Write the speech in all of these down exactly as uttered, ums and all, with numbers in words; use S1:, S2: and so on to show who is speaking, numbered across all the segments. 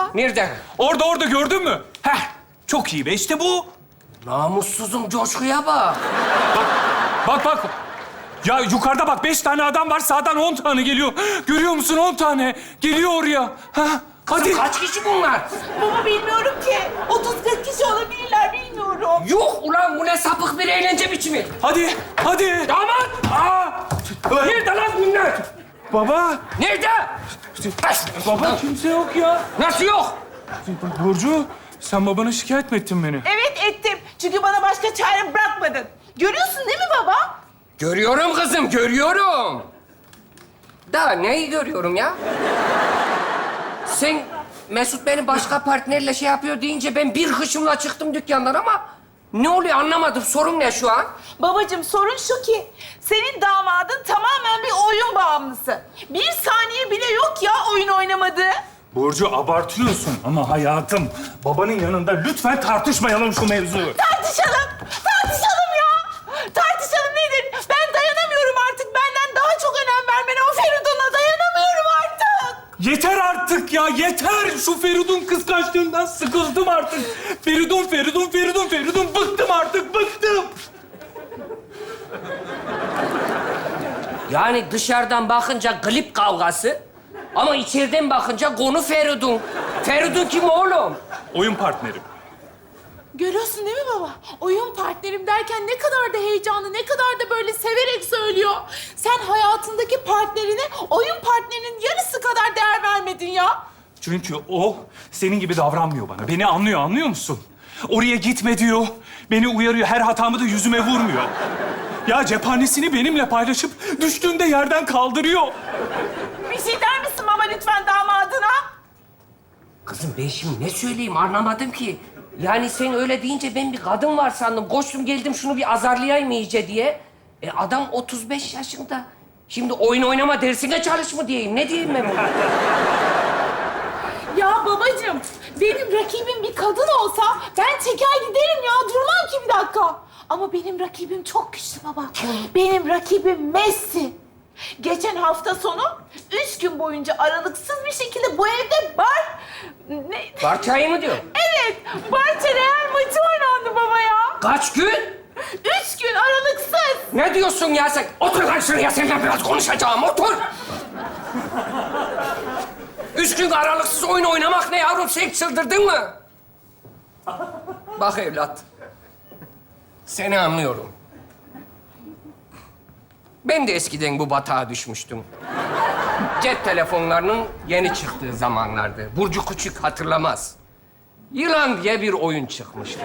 S1: baba.
S2: Nerede?
S3: Orada orada gördün mü? Heh, çok iyi be işte bu.
S2: Namussuzum coşkuya bak.
S3: Bak bak. Ya yukarıda bak beş tane adam var sağdan on tane geliyor. Görüyor musun on tane? Geliyor oraya. Ha? Hadi.
S2: Kızım kaç kişi bunlar?
S1: Baba bilmiyorum ki. otuz kırk kişi olabilirler bilmiyorum.
S2: Yok ulan bu ne sapık bir eğlence biçimi.
S3: Hadi. Hadi.
S2: Damat!
S3: Aa!
S2: Nerede lan bunlar?
S3: Baba.
S2: Nerede?
S3: Baba kimse yok ya.
S2: Nasıl yok?
S3: Burcu sen babana şikayet mi ettin beni?
S1: Evet ettim. Çünkü bana başka çare bırakmadın. Görüyorsun değil mi baba?
S2: Görüyorum kızım, görüyorum. Da neyi görüyorum ya? Sen Mesut beni başka partnerle şey yapıyor deyince ben bir hışımla çıktım dükkandan ama ne oluyor anlamadım. Sorun ne şu an?
S1: Babacığım sorun şu ki senin damadın tamamen bir oyun bağımlısı. Bir saniye bile yok ya oyun oynamadığı.
S3: Burcu abartıyorsun ama hayatım. Babanın yanında lütfen tartışmayalım şu mevzuyu.
S1: Tartışalım. Tartışalım ya. Tartışalım nedir? Ben dayanamıyorum artık. Benden daha çok önem vermene o Feridun'a dayanamıyorum artık.
S3: Yeter artık ya, yeter! Şu Feridun kıskançlığından sıkıldım artık. Feridun, Feridun, Feridun, Feridun. Bıktım artık, bıktım.
S2: Yani dışarıdan bakınca glip kavgası ama içeriden bakınca konu Feridun. Feridun kim oğlum?
S3: Oyun partnerim.
S1: Görüyorsun değil mi baba? Oyun partnerim derken ne kadar da heyecanlı, ne kadar da böyle severek söylüyor. Sen hayatındaki partnerine oyun partnerinin yarısı kadar değer vermedin ya.
S3: Çünkü o senin gibi davranmıyor bana. Beni anlıyor, anlıyor musun? Oraya gitme diyor. Beni uyarıyor. Her hatamı da yüzüme vurmuyor. Ya cephanesini benimle paylaşıp düştüğünde yerden kaldırıyor.
S1: Bir şey der misin baba lütfen damadına?
S2: Kızım ben şimdi ne söyleyeyim anlamadım ki. Yani sen öyle deyince ben bir kadın var sandım. Koştum geldim şunu bir azarlayayım iyice diye. E adam otuz beş yaşında. Şimdi oyun oynama dersine çalış mı diyeyim? Ne diyeyim ben buna?
S1: Ya babacığım, benim rakibim bir kadın olsa ben çeker giderim ya. Durmam ki bir dakika. Ama benim rakibim çok güçlü baba. Benim rakibim Messi. Geçen hafta sonu üç gün boyunca aralıksız bir şekilde bu evde bar... Ne?
S2: Barçayı mı diyor?
S1: Evet, Barça Real maçı oynandı baba ya.
S2: Kaç gün?
S1: Üç gün aralıksız.
S2: Ne diyorsun ya sen? Otur lan şuraya seninle biraz konuşacağım. Otur. Üç gün aralıksız oyun oynamak ne yavrum? Sen çıldırdın mı? Bak evlat. Seni anlıyorum. Ben de eskiden bu batağa düşmüştüm. Cep telefonlarının yeni çıktığı zamanlardı. Burcu Küçük hatırlamaz. Yılan diye bir oyun çıkmıştı.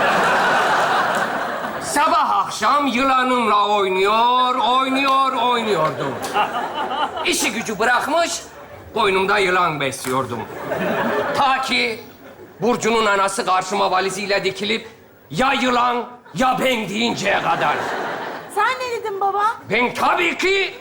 S2: Sabah akşam yılanımla oynuyor, oynuyor, oynuyordum. İşi gücü bırakmış, koynumda yılan besliyordum. Ta ki Burcu'nun anası karşıma valiziyle dikilip ya yılan ya ben deyinceye kadar.
S1: Sen ne dedin baba?
S2: Ben tabii ki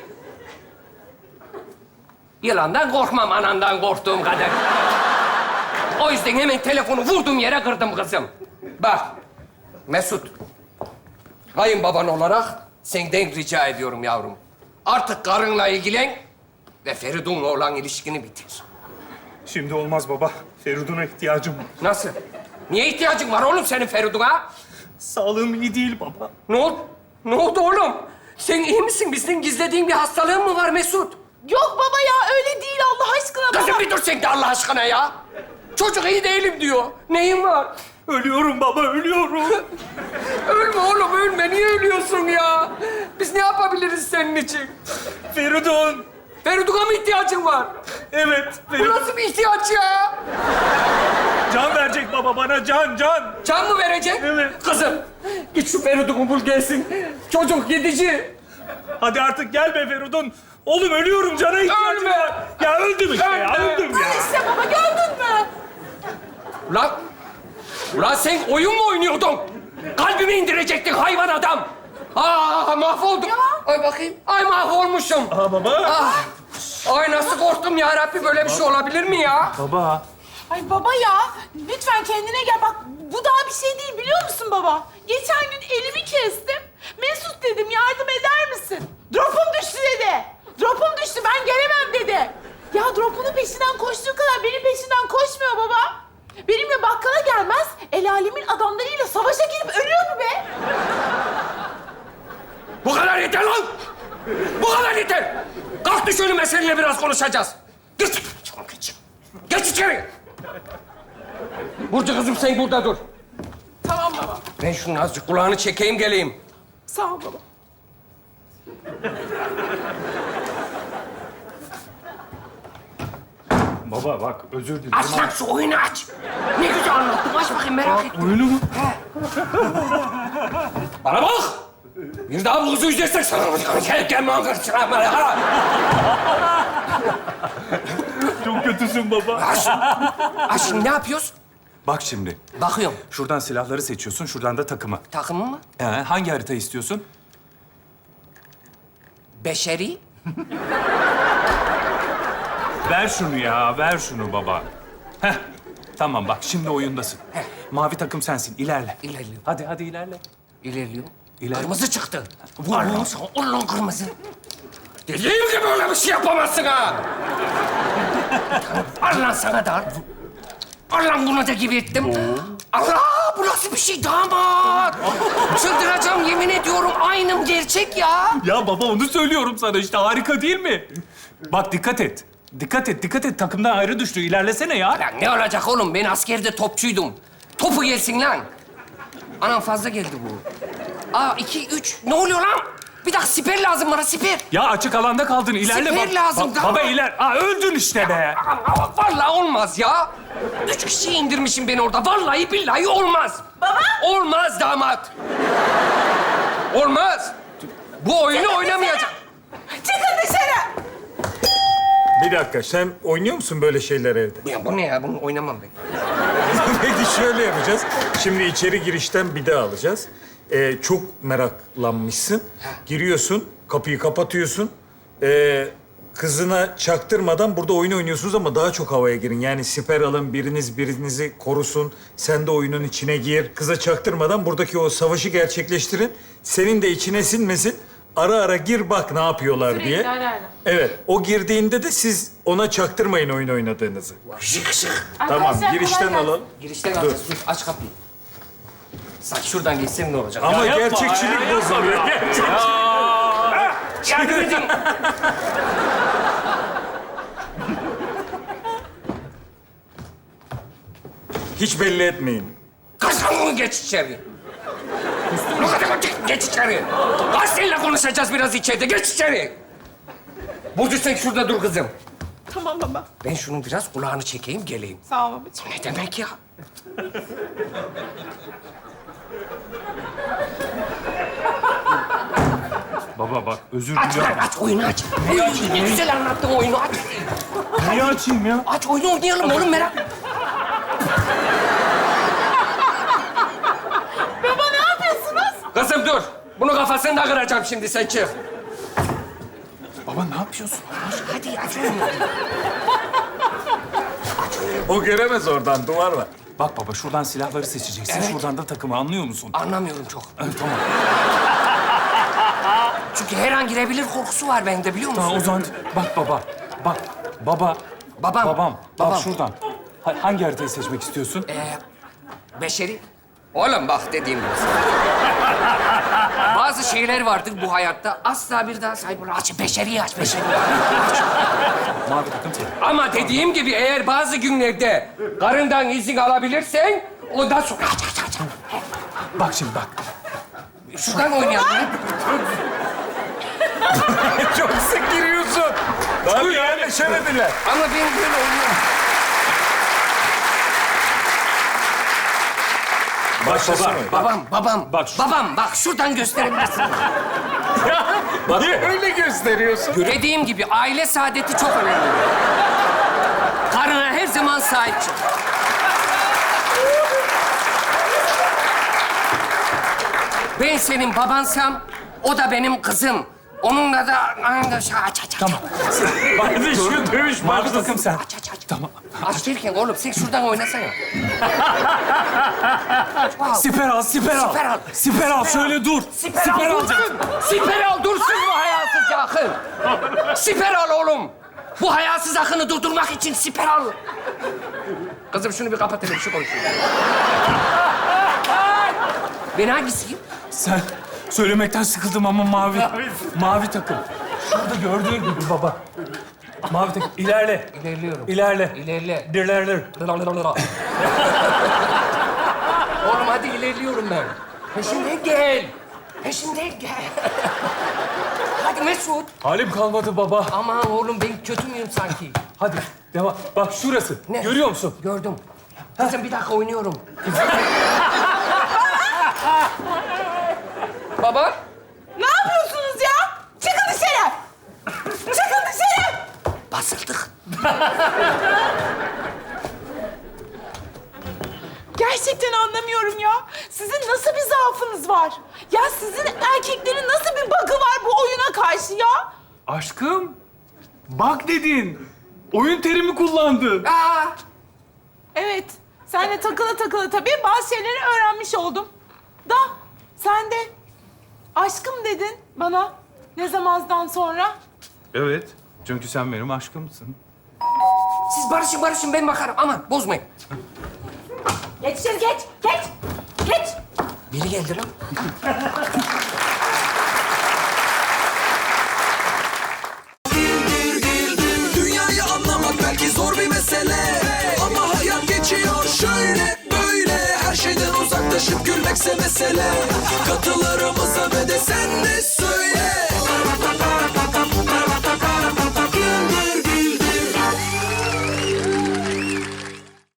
S2: yılandan korkmam, anandan korktuğum kadar. O yüzden hemen telefonu vurdum yere kırdım kızım. Bak, Mesut, kayınbaban olarak senden rica ediyorum yavrum. Artık karınla ilgilen ve Feridun'la olan ilişkini bitir.
S3: Şimdi olmaz baba. Feridun'a ihtiyacım var.
S2: Nasıl? Niye ihtiyacın var oğlum senin Feridun'a?
S3: Sağlığım iyi değil baba.
S2: Ne oldu? Ne oldu oğlum? Sen iyi misin? Bizden gizlediğin bir hastalığın mı var Mesut?
S1: Yok baba ya öyle değil Allah aşkına baba.
S2: Kızım bir dur sen de Allah aşkına ya. Çocuk iyi değilim diyor. Neyin var?
S3: Ölüyorum baba, ölüyorum.
S2: Ölme oğlum ölme. Niye ölüyorsun ya? Biz ne yapabiliriz senin için?
S3: Feridun.
S2: Feridun'a mı ihtiyacın var?
S3: Evet,
S2: Bu
S3: Feridun.
S2: nasıl bir ihtiyaç ya?
S3: Can verecek baba bana, can, can.
S2: Can mı verecek?
S3: Evet.
S2: Kızım git şu Feridun'u bul gelsin. Çocuk gidici.
S3: Hadi artık gel be Feridun. Oğlum ölüyorum, cana ihtiyacım
S2: Ölme.
S3: var. Ya öldüm işte ya,
S2: Ölme.
S3: öldüm ya.
S1: İşte baba gördün mü?
S2: Ulan, ulan sen oyun mu oynuyordun? Kalbimi indirecektin hayvan adam. Aa mahvoldum.
S1: Ya.
S2: Ay bakayım. Ay mahvolmuşum.
S3: Aa baba.
S2: Ah. Ay nasıl korktum ya Rabbi böyle bir şey olabilir mi ya?
S3: Baba.
S1: Ay baba ya lütfen kendine gel bak bu daha bir şey değil biliyor musun baba? Geçen gün elimi kestim. Mesut dedim yardım eder misin? Drop'um düştü dedi. Drop'um düştü ben gelemem dedi. Ya drop'unun peşinden koştuğu kadar benim peşinden koşmuyor baba.
S2: Otur şöyle seninle biraz konuşacağız. Geç. Çabuk geç. Geç içeri. Burcu kızım sen burada dur.
S1: Tamam baba.
S2: Ben şunun azıcık kulağını çekeyim geleyim.
S1: Sağ ol baba.
S3: Baba bak özür dilerim.
S2: Aç lan şu oyunu aç. Ne güzel anlattın. Aç bakayım merak ettim.
S3: Oyunu mu?
S2: Bana bak. Bir daha bu kızı üzersen sana gel gel arkadaşlar.
S3: Çok kötüsün baba.
S2: Aç. Aç şimdi ne yapıyoruz?
S3: Bak şimdi.
S2: Bakıyorum.
S3: Şuradan silahları seçiyorsun, şuradan da takımı.
S2: Takımı mı?
S3: Ee, hangi harita istiyorsun?
S2: Beşeri.
S3: Ver şunu ya, ver şunu baba. Heh, tamam bak şimdi oyundasın.
S2: Heh.
S3: Mavi takım sensin, ilerle.
S2: İlerliyor.
S3: Hadi, hadi ilerle.
S2: İlerliyor.
S3: İler-
S2: Kırmızı çıktı. Vur lan sana. Vur lan kırmızı. Dediğim gibi öyle bir şey yapamazsın ha. Al lan sana da al. Al lan bunu da gibi ettim. Allah! Bu nasıl bir şey damat? Çıldıracağım yemin ediyorum. Aynım gerçek ya.
S3: Ya baba onu söylüyorum sana işte, harika değil mi? Bak dikkat et. Dikkat et, dikkat et. Takımdan ayrı düştü. İlerlesene ya.
S2: Lan ne olacak oğlum? Ben askerde topçuydum. Topu gelsin lan. Anam fazla geldi bu. Aa iki, üç. Ne oluyor lan? Bir dakika siper lazım bana siper.
S3: Ya açık alanda kaldın. İlerle.
S2: Siper
S3: bak-
S2: lazım,
S3: bak-
S2: tamam.
S3: Baba iler. Aa öldün işte be.
S2: Ama vallahi olmaz ya. Üç kişi indirmişim beni orada. Vallahi billahi olmaz.
S1: Baba.
S2: Olmaz damat. Olmaz. Bu oyunu oynamayacağım.
S1: Çıkın dışarı.
S4: Bir dakika, sen oynuyor musun böyle şeyler evde?
S2: Ya bu ne ya? Bunu oynamam ben.
S4: Peki şöyle yapacağız. Şimdi içeri girişten bir de alacağız. Ee, çok meraklanmışsın. Giriyorsun, kapıyı kapatıyorsun. Ee, kızına çaktırmadan burada oyun oynuyorsunuz ama daha çok havaya girin. Yani siper alın, biriniz birinizi korusun. Sen de oyunun içine gir. Kıza çaktırmadan buradaki o savaşı gerçekleştirin. Senin de içine sinmesin. Ara ara gir bak ne yapıyorlar diye.
S1: ara ara.
S4: Evet, o girdiğinde de siz ona çaktırmayın oyun oynadığınızı.
S2: Şık şık.
S4: Tamam,
S1: Arkadaşlar,
S4: girişten
S1: kolay gelsin.
S4: alalım.
S2: Girişten alacağız. Dur, aç kapıyı. Saç şuradan geçsem ne olacak?
S4: Ama
S3: yapma,
S4: gerçekçilik
S3: ya,
S4: bozuluyor.
S3: yapma.
S4: Gerçek.
S2: Yardım edin.
S4: Hiç belli etmeyin.
S2: Kaçın geç içeri. Ne kadar geç, geç içeri. Kaç seninle konuşacağız biraz içeride. Geç içeri. Burcu sen şurada dur kızım.
S1: Tamam baba.
S2: Ben şunun biraz kulağını çekeyim, geleyim.
S1: Sağ ol babacığım.
S2: Ne demek ya?
S3: Baba bak özür
S2: Aç
S3: diliyorum.
S2: lan, aç oyunu aç. Ne güzel anlattın oyunu, aç.
S3: Niye açayım ya?
S2: Aç oyunu oynayalım oğlum merak.
S1: Baba ne yapıyorsunuz?
S2: Kızım dur. Bunu kafasını da kıracağım şimdi, sen çık.
S3: Baba ne yapıyorsun?
S2: Hadi aç oyunu.
S4: O göremez oradan, duvar var.
S3: Bak baba şuradan silahları seçeceksin.
S2: Evet.
S3: Şuradan da takımı anlıyor musun?
S2: Anlamıyorum çok.
S3: Evet, tamam.
S2: Çünkü her an girebilir korkusu var bende, biliyor musun?
S3: Tamam o zaman bak baba. Bak baba.
S2: Babam.
S3: Babam.
S2: Babam.
S3: Bak şuradan. Ha- hangi haritayı seçmek istiyorsun?
S2: Ee, beşeri. Oğlum bak dediğim gibi. Bazı şeyler vardır bu hayatta. Asla bir daha sahip olamaz. Aç beşeri aç beşeri.
S3: Mavi takım senin.
S2: Ama dediğim gibi eğer bazı günlerde karından izin alabilirsen ondan sonra aç aç aç.
S3: Bak şimdi bak.
S2: Şuradan oynayalım.
S4: Çok sık giriyorsun. Daha bir yerleşemediler.
S2: Ama ben böyle oynuyorum.
S4: Başlasın
S3: baba,
S4: oyun.
S2: Babam, babam,
S3: Bak şu-
S2: babam bak şuradan gösterebilirsin.
S4: Niye öyle gösteriyorsun?
S2: Dediğim gibi aile saadeti çok önemli. Karına her zaman sahip çık. Ben senin babansam, o da benim kızım. Onunla da aynı şey aç aç aç.
S3: Tamam.
S4: Hadi şu dövüş
S3: Mavi
S4: başlasın.
S3: takım sen.
S2: Aç aç aç.
S3: Tamam.
S2: Aç derken oğlum sen şuradan oynasana. Wow.
S3: Siper al, siper al.
S2: Siper al.
S3: Siper al, şöyle dur.
S2: Siper, al dursun. Siper al dursun bu hayasız akın. Siper al oğlum. Bu hayasız akını durdurmak için siper al. Kızım şunu bir kapat hele bir şey konuşuyor. Ben hangisiyim?
S3: Sen söylemekten sıkıldım ama mavi. Mavi takım. Şurada gördüğün gibi baba. Mavi tek ilerle.
S2: İlerliyorum.
S3: İlerle.
S2: İlerle.
S3: İlerle.
S2: Oğlum hadi ilerliyorum ben. Peşimden gel. Peşimden gel. Hadi Mesut.
S3: Halim kalmadı baba.
S2: Aman oğlum ben kötü müyüm sanki?
S3: Hadi devam. Bak şurası.
S2: Ne?
S3: Görüyor musun?
S2: Gördüm. Kızım bir dakika oynuyorum. Baba.
S1: Ne yapıyorsunuz ya? Çıkın dışarı! Çıkın dışarı!
S2: Basıldık.
S1: Gerçekten anlamıyorum ya. Sizin nasıl bir zaafınız var? Ya sizin erkeklerin nasıl bir bug'ı var bu oyuna karşı ya?
S3: Aşkım. Bak dedin. Oyun terimi kullandın.
S2: Aa,
S1: Evet, senle takıla takıla tabii bazı şeyleri öğrenmiş oldum. Da sen de aşkım dedin bana ne zamandan sonra?
S3: Evet. Çünkü sen benim aşkımsın.
S2: siz barışın barışın ben bakarım. Aman bozmayın.
S1: Geç içeri geç, geç, geç.
S2: Biri geldi lan.
S5: Dünyayı anlamak belki zor bir mesele, ama hayat geçiyor şöyle böyle. Her şeyden uzaklaşıp gülmekse mesele. Katılarımıza ve de sen de